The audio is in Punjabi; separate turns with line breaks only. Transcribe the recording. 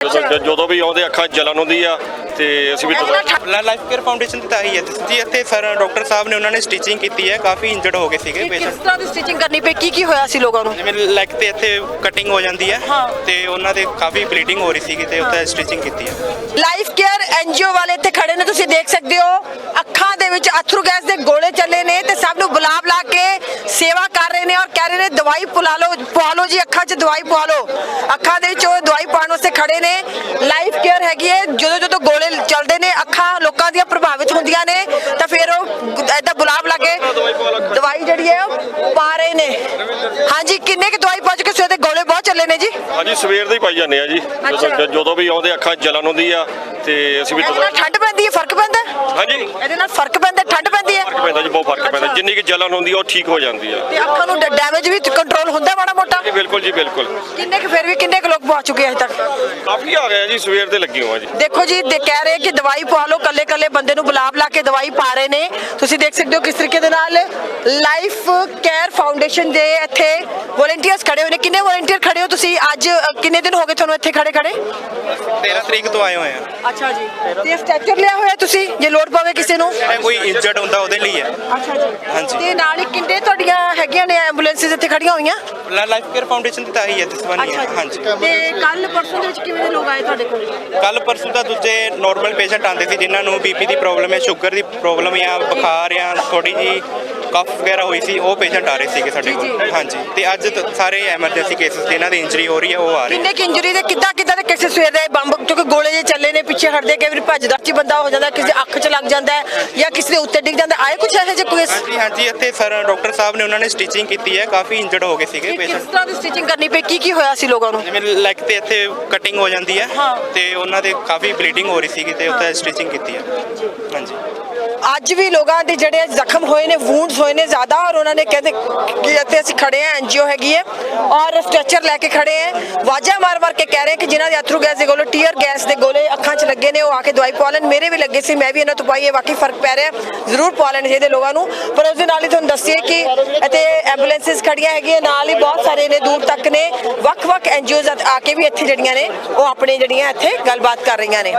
ਜਦੋਂ ਵੀ ਆਉਂਦੇ ਅੱਖਾਂ 'ਚ ਜਲਨ ਹੁੰਦੀ ਆ ਤੇ ਅਸੀਂ ਵੀ
ਲਾਈਫ ਕੇਅਰ ਫਾਊਂਡੇਸ਼ਨ ਦੀ ਤਾਂ ਹੀ ਹੈ ਜੀ। ਇੱਥੇ ਸਰ ਡਾਕਟਰ ਸਾਹਿਬ ਨੇ ਉਹਨਾਂ ਨੇ ਸਟਿਚਿੰਗ ਕੀਤੀ ਹੈ, ਕਾਫੀ ਇੰਜਰਡ ਹੋ ਗਏ ਸੀਗੇ
ਕਿਸ
ਪੇਸ਼ੈਂਟ।
ਤਰ੍ਹਾਂ ਦੀ ਸਟਿਚਿੰਗ ਕਰਨੀ ਪਈ, ਕੀ ਹੋਇਆ ਸੀ ਲੋਕਾਂ ਨੂੰ?
ਜਿਵੇਂ ਲੈਗ ਤੇ ਇੱਥੇ ਕਟਿੰਗ ਹੋ ਜਾਂਦੀ ਹੈ
ਹਾਂ।
ਤੇ ਉਹਨਾਂ ਦੇ ਕਾਫੀ ਬਲੀਡਿੰਗ ਹੋ ਰਹੀ ਸੀਗੀ ਤੇ ਉੱਥੇ ਸਟਿਚਿੰਗ ਕੀਤੀ ਹੈ।
ਲਾਈਫ ਕੇਅਰ ਐਨਜੀਓ ਵਾਲੇ ਇੱਥੇ ਖੜੇ ਨੇ, ਤੁਸੀਂ ਦੇਖ ਸਕਦੇ ਹੋ ਅੱਖਾਂ ਦੇ ਵਿੱਚ ਅਥਰੂ ਗੈਸ ਦੇ ਗੋਲੇ ਚੱਲੇ ਨੇ ਤੇ ਸਭ ਨੂੰ ਬੁਲਾ ਕੇ ਸੇਵਾ ਕਰ ਰਹੇ ਨੇ ਔਰ ਕਹਿ ਰਹੇ ਨੇ ਦਵਾਈ ਪਵਾ ਲਓ ਜੀ, ਅੱਖਾਂ 'ਚ ਦਵਾਈ ਪਵਾ ਲਓ। ਅੱਖਾਂ ਦੇ ਵਿੱਚ ਉਹ ਦਵਾਈ ਪਾਉਣ ਵਾਸਤੇ ਖੜੇ ਨੇ। ਲਾਈਫ ਕੇਅਰ ਹੈਗੀ ਹੈ, ਜਦੋਂ ਗੋਲੇ ਚੱਲਦੇ ਨੇ ਅੱਖਾਂ ਲੋਕਾਂ ਦੀਆਂ ਪ੍ਰਭਾਵਿਤ ਹੁੰਦੀਆਂ ਨੇ ਤਾਂ ਫਿਰ ਉਹ ਏਦਾਂ ਬੁਲਾ ਕੇ ਦਵਾਈ ਜਿਹੜੀ ਹੈ ਉਹ ਪਾ ਰਹੇ ਨੇ। ਹਾਂਜੀ, ਕਿੰਨੇ ਕੁ ਦਵਾਈ ਪਾ ਚੁੱਕੇ? ਸਵੇਰ ਦੇ ਗੋਲੇ ਬਹੁਤ ਚੱਲੇ ਨੇ ਜੀ।
ਹਾਂਜੀ, ਸਵੇਰ ਦੇ ਹੀ ਪਾਈ ਜਾਂਦੇ ਆ ਜੀ। ਜਦੋਂ ਵੀ ਆਉਂਦੇ ਅੱਖਾਂ 'ਚ ਜਲਨ ਹੁੰਦੀ ਆ ਤੇ ਅਸੀਂ ਵੀ
ਇਹਦੇ ਨਾਲ ਠੰਡ ਪੈਂਦੀ ਹੈ, ਫਰਕ ਪੈਂਦਾ?
ਹਾਂਜੀ,
ਇਹਦੇ ਨਾਲ ਫਰਕ ਪੈਂਦਾ, ਠੰਡ ਪੈਂਦੀ ਹੈ?
ਫਰਕ ਪੈਂਦਾ ਜੀ, ਬਹੁਤ ਫਰਕ ਪੈਂਦਾ। ਜਿੰਨੀ ਕਿ ਜਲਨ ਹੁੰਦੀ ਆ ਉਹ ਠੀਕ ਹੋ ਜਾਂਦੀ ਆ
ਤੇ ਅੱਖਾਂ ਨੂੰ ਡੈਮੇਜ ਵੀ ਕੰਟਰੋਲ ਹੁੰਦਾ ਮਾੜਾ ਮੋਟਾ?
ਜੀ ਬਿਲਕੁਲ ਜੀ, ਬਿਲਕੁਲ।
ਕਿੰਨੇ ਕੁ ਲੋਕ ਪਹੁੰਚ ਚੁੱਕੇ ਅਜੇ ਤੱਕ?
ਕਾਫੀ ਆ ਗਏ ਆ ਜੀ, ਸਵੇਰ ਦੇ ਲੱਗੇ ਹੋਆ ਜੀ।
ਦੇਖੋ ਜੀ, ਕਹਿ ਰਹੇ ਕਿ ਦਵਾਈ ਪਵਾ ਲਓ, ਕੱਲੇ ਬੰਦੇ ਨੂੰ ਬੁਲਾ ਕੇ ਦਵਾਈ ਪਾ ਰਹੇ ਨੇ। ਤੁਸੀਂ ਦੇਖ ਸਕਦੇ ਹੋ ਕਿਸ ਤਰੀਕੇ ਦੇ ਨਾਲ ਲਾਈਫ ਕੇਅਰ ਫਾਊਂਡੇਸ਼ਨ ਦੇ ਇੱਥੇ ਵੋਲੰਟੀਅਰਸ ਖੜੇ ਹੋਏ ਨੇ। ਕਿੰਨੇ ਵੋਲੰਟੀਅਰ ਖੜੇ ਹੋ ਤੁਸੀਂ ਅੱਜ? ਕਿੰਨੇ ਦਿਨ ਹੋ ਗਏ ਤੁਹਾਨੂੰ ਇੱਥੇ ਖੜੇ?
13 ਤਰੀਕ ਤੋਂ ਆਏ ਹੋਏ ਆ।
ਅੱਛਾ ਜੀ। ਤੇ ਸਟ੍ਰੈਚਰ ਲਿਆ ਹੋਇਆ ਤੁਸੀਂ, ਜੇ ਲੋੜ ਪਵੇ ਕਿਸੇ ਨੂੰ?
ਕੋਈ ਇੰਜਰਡ ਹੁੰਦਾ ਉਹਦੇ ਲਈ ਹੈ।
ਅੱਛਾ ਜੀ।
ਹਾਂਜੀ।
ਤੇ ਨਾਲ ਹੀ ਕਿੰਨੇ ਤੁਹਾਡੀਆਂ ਹੈਗੀਆਂ ਨੇ ਐਂਬੂਲੈਂਸਿਸ ਇੱਥੇ ਖੜੀਆਂ ਹੋਈਆਂ?
ਲਾਈਫ ਕੇਅਰ ਫਾਊਂਡੇਸ਼ਨ ਦੀ ਤਾਂ ਹੀ ਹੈ ਦਿਸਵਾਨੀ ਹੈ। ਹਾਂਜੀ।
ਤੇ ਕੱਲ ਪਰਸੋਂ ਦੇ ਵਿੱਚ ਕਿਵੇਂ ਦੇ ਲੋਕ ਆਏ ਤੁਹਾਡੇ ਕੋਲ?
ਕੱਲ ਪਰਸੋਂ ਤਾਂ ਦੂਜੇ ਨਾਰਮਲ ਪੇਸ਼ੈਂਟ ਆਉਂਦੇ ਸੀ ਜਿਨ੍ਹਾਂ ਨੂੰ ਬੀਪੀ ਦੀ ਪ੍ਰੋਬਲਮ ਹੈ, ਸ਼ੂਗਰ ਦੀ ਪ੍ਰੋਬਲਮ ਜਾਂ ਬੁਖਾਰ ਜਾਂ ਥੋੜੀ ਜੀ ਕਫ ਵਗੈਰਾ ਹੋਈ ਸੀ, ਉਹ ਪੇਸ਼ੈਂਟ ਆ ਰਹੇ ਸੀਗੇ ਸਾਡੇ ਕੋਲ। ਹਾਂਜੀ। ਤੇ ਅੱਜ ਸਾਰੇ ਐਮਰਜੈਂਸੀ ਕੇਸਿਸ ਜਿਨ੍ਹਾਂ ਦੀ ਇੰਜਰੀ ਹੋ ਰਹੀ ਹੈ ਉਹ ਆ ਰਹੇ।
ਕਿੰਨੇ ਕਿ ਇੰਜਰੀ ਦੇ ਕਿੱਦਾਂ ਦੇ ਕੇਸਿਸ ਸਵੇਰ ਦੇ ਬੰਬ ਕਿਉਂਕਿ ਗੋਲੇ ਜੇ ਚੱਲੇ ਨੇ, ਪਿੱਛੇ ਹਟਦੇ, ਕਈ ਵਾਰੀ ਭੱਜਦਾ ਚ ਬੰਦਾ ਹੋ ਜਾਂਦਾ, ਕਿਸੇ ਦੀ ਅੱਖ 'ਚ ਲੱਗ ਜਾਂਦਾ ਹੈ ਜਾਂ ਕਿਸੇ ਦੇ ਉੱਤੇ ਡਿੱਗ ਜਾਂਦਾ। ਆਏ ਕੁਝ ਇਹੋ ਜਿਹੇ ਕੇਸ?
ਹਾਂਜੀ, ਇੱਥੇ ਸਰ ਡਾਕਟਰ ਸਾਹਿਬ ਨੇ ਉਹਨਾਂ ਨੇ ਸਟਿਚਿੰਗ ਕੀਤੀ ਹੈ, ਕਾਫੀ ਇੰਜਰਡ ਹੋ ਗਏ ਸੀਗੇ
ਕਿਸ
ਪੇਸ਼ੈਂਟ।
ਤਰ੍ਹਾਂ ਦੀ ਸਟਿਚਿੰਗ ਕਰਨੀ ਪਈ, ਕੀ ਹੋਇਆ ਸੀ ਲੋਕਾਂ ਨੂੰ?
ਜਿਵੇਂ ਲੈਗ ਤੇ ਇੱਥੇ ਕਟਿੰਗ ਹੋ ਜਾਂਦੀ ਹੈ
ਹਾਂ।
ਤੇ ਉਹਨਾਂ ਦੇ ਕਾਫੀ ਬਲੀਡਿੰਗ ਹੋ ਰਹੀ ਸੀਗੀ ਤੇ ਉੱਥੇ ਸਟਿਚਿੰਗ ਕੀਤੀ ਹੈ। ਹਾਂਜੀ।
ਅੱਜ ਵੀ ਲੋਕਾਂ ਦੇ ਜਿਹੜੇ ਜ਼ਖਮ ਹੋਏ ਨੇ, ਵੂੰਡਸ ਹੋਏ ਨੇ ਜ਼ਿਆਦਾ, ਔਰ ਉਹਨਾਂ ਨੇ ਕਹਿੰਦੇ ਕਿ ਇੱਥੇ ਅਸੀਂ ਖੜੇ ਹਾਂ, ਐਨਜੀਓ ਹੈਗੀ ਹੈ ਔਰ ਸਟ੍ਰੈਚਰ ਲੈ ਕੇ ਖੜੇ ਹਾਂ। ਵਾਜਾ ਮਾਰ ਕੇ ਕਹਿ ਰਹੇ ਕਿ ਜਿਨ੍ਹਾਂ ਦੇ ਅਥਰੂ ਗੈਸ ਦੇ ਗੋਲੇ, ਟੀਅਰ ਗੈਸ ਦੇ ਗੋਲੇ ਅੱਖਾਂ 'ਚ ਲੱਗੇ ਨੇ, ਉਹ ਆ ਕੇ ਦਵਾਈ ਪਵਾ ਲੈਣ। ਮੇਰੇ ਵੀ ਲੱਗੇ ਸੀ, ਮੈਂ ਵੀ ਇਹਨਾਂ ਤੋਂ ਪਾਈ ਹੈ, ਵਾਕਈ ਫਰਕ ਪੈ ਰਿਹਾ। ਜ਼ਰੂਰ ਪਵਾ ਲੈਣੇ ਚਾਹੀਦੇ ਲੋਕਾਂ ਨੂੰ। ਪਰ ਉਸ ਦੇ ਨਾਲ ਹੀ ਤੁਹਾਨੂੰ ਦੱਸੀਏ ਕਿ ਇੱਥੇ ਐਂਬੂਲੈਂਸਿਸ ਖੜੀਆਂ ਹੈਗੀਆਂ, ਨਾਲ ਹੀ ਬਹੁਤ ਸਾਰੇ ਨੇ ਦੂਰ ਤੱਕ ਨੇ। ਵੱਖ ਐਨਜੀਓਜ਼ ਆ ਕੇ ਵੀ ਇੱਥੇ ਜਿਹੜੀਆਂ ਨੇ ਉਹ ਆਪਣੇ ਜਿਹੜੀਆਂ ਇੱਥੇ ਗੱਲਬਾਤ ਕਰ ਰਹੀਆਂ ਨੇ।